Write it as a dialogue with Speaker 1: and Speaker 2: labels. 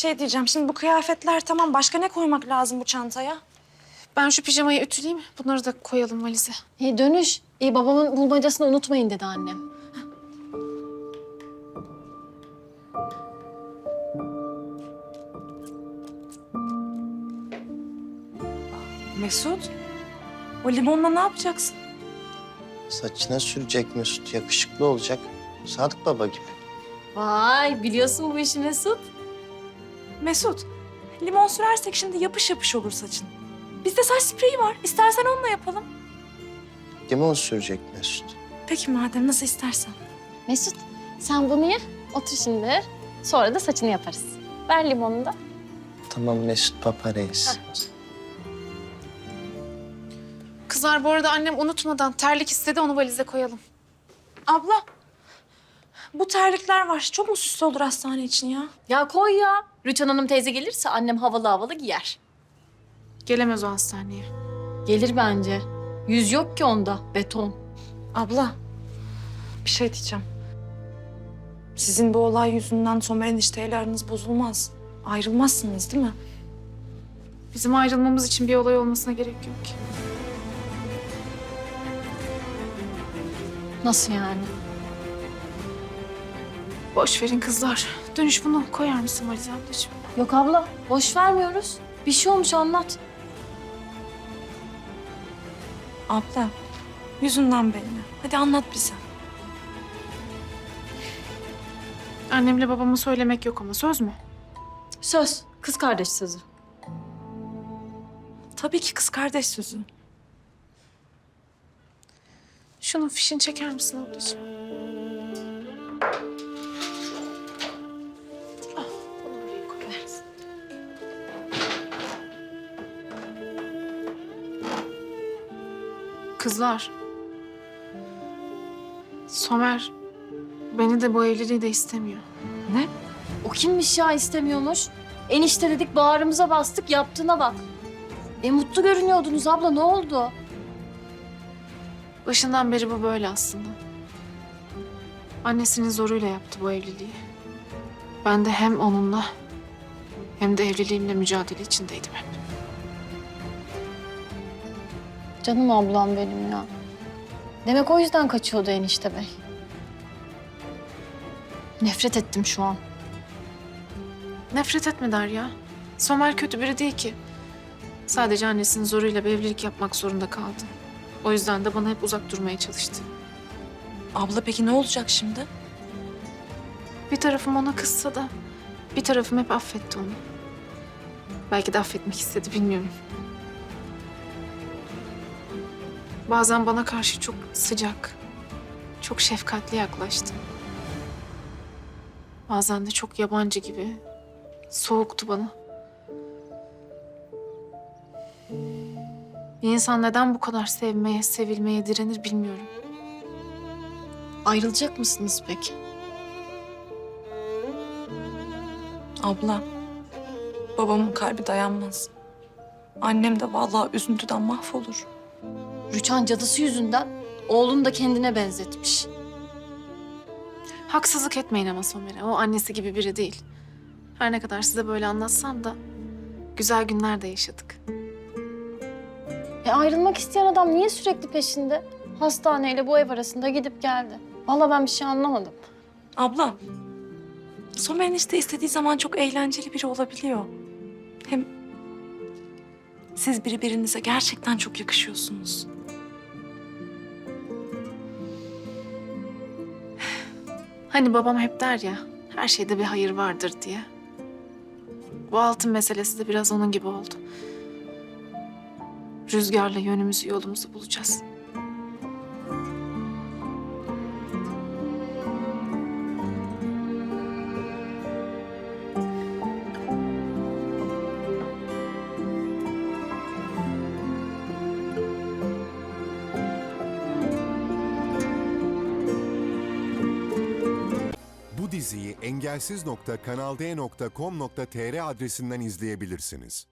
Speaker 1: şey diyeceğim. Şimdi bu kıyafetler tamam. Başka ne koymak lazım bu çantaya?
Speaker 2: Ben şu pijamayı ütüleyeyim. Bunları da koyalım valize.
Speaker 3: Dönüş. Babamın bulmacasını unutmayın dedi annem.
Speaker 1: Mesut, o limonla ne yapacaksın?
Speaker 4: Saçına sürecek Mesut. Yakışıklı olacak. Sadık Baba gibi.
Speaker 3: Vay biliyorsun bu işi Mesut.
Speaker 1: Mesut, limon sürersek şimdi yapış yapış olur saçın. Bizde saç spreyi var. İstersen onunla yapalım.
Speaker 4: Limon sürecek Mesut.
Speaker 1: Peki madem nasıl istersen.
Speaker 3: Mesut sen bunu ye. Otur şimdi. Sonra da saçını yaparız. Ver limonunu da.
Speaker 4: Tamam Mesut Papa Reis.
Speaker 2: Kızlar bu arada annem unutmadan terlik istedi, onu valize koyalım.
Speaker 1: Abla, bu terlikler var. Çok mu süslü olur hastane için ya?
Speaker 3: Ya koy ya. Rüçhan Hanım teyze gelirse annem havalı havalı giyer.
Speaker 2: Gelemez o hastaneye.
Speaker 3: Gelir bence. Yüz yok ki onda. Beton.
Speaker 1: Abla, bir şey diyeceğim. Sizin bu olay yüzünden Somer enişteyle aranız bozulmaz. Ayrılmazsınız değil mi?
Speaker 2: Bizim ayrılmamız için bir olay olmasına gerek yok ki.
Speaker 3: Nasıl yani?
Speaker 2: Boş verin kızlar. Dönüş bunu koyar mısın valize ablacığım?
Speaker 3: Yok abla. Boş vermiyoruz. Bir şey olmuş anlat.
Speaker 1: Abla, yüzünden belli. Hadi anlat bize.
Speaker 2: Annemle babama söylemek yok ama söz mü?
Speaker 3: Söz. Kız kardeş sözü.
Speaker 1: Tabii ki kız kardeş sözü.
Speaker 2: Şunun fişini çeker misin ablacığım? Ah, bunu buraya koyarız. Kızlar. Somer beni de bu evliliği de istemiyor.
Speaker 1: Ne?
Speaker 3: O kimmiş ya istemiyormuş? Enişte dedik bağrımıza bastık yaptığına bak. Mutlu görünüyordunuz abla ne oldu?
Speaker 2: Başından beri bu böyle aslında. Annesinin zoruyla yaptı bu evliliği. Ben de hem onunla hem de evliliğimle mücadele içindeydim hep.
Speaker 3: Canım ablam benim ya. Demek o yüzden kaçıyordu enişte bey. Nefret ettim şu an.
Speaker 2: Nefret etme Derya. Somer kötü biri değil ki. Sadece annesinin zoruyla bir evlilik yapmak zorunda kaldı. O yüzden de bana hep uzak durmaya çalıştı.
Speaker 1: Abla peki ne olacak şimdi?
Speaker 2: Bir tarafım ona kızsa da bir tarafım hep affetti onu. Belki de affetmek istedi, bilmiyorum. Bazen bana karşı çok sıcak, çok şefkatli yaklaştı. Bazen de çok yabancı gibi, soğuktu bana. Bir insan neden bu kadar sevmeye, sevilmeye direnir bilmiyorum.
Speaker 3: Ayrılacak mısınız peki?
Speaker 1: Abla, babamın kalbi dayanmaz. Annem de vallahi üzüntüden mahvolur.
Speaker 3: Rüçhan cadısı yüzünden oğlunu da kendine benzetmiş.
Speaker 2: Haksızlık etmeyin ama Somer'e. O annesi gibi biri değil. Her ne kadar size böyle anlatsam da güzel günler de yaşadık.
Speaker 3: Ayrılmak isteyen adam niye sürekli peşinde? Hastaneyle bu ev arasında gidip geldi. Vallahi ben bir şey anlamadım.
Speaker 1: Abla, Somer enişte istediği zaman çok eğlenceli biri olabiliyor. Hem siz birbirinize gerçekten çok yakışıyorsunuz.
Speaker 2: Hani babam hep der ya, her şeyde bir hayır vardır diye. Bu altın meselesi de biraz onun gibi oldu. Rüzgarla yönümüzü, yolumuzu bulacağız.
Speaker 5: Bu diziyi engelsiz.kanalde.com.tr adresinden izleyebilirsiniz.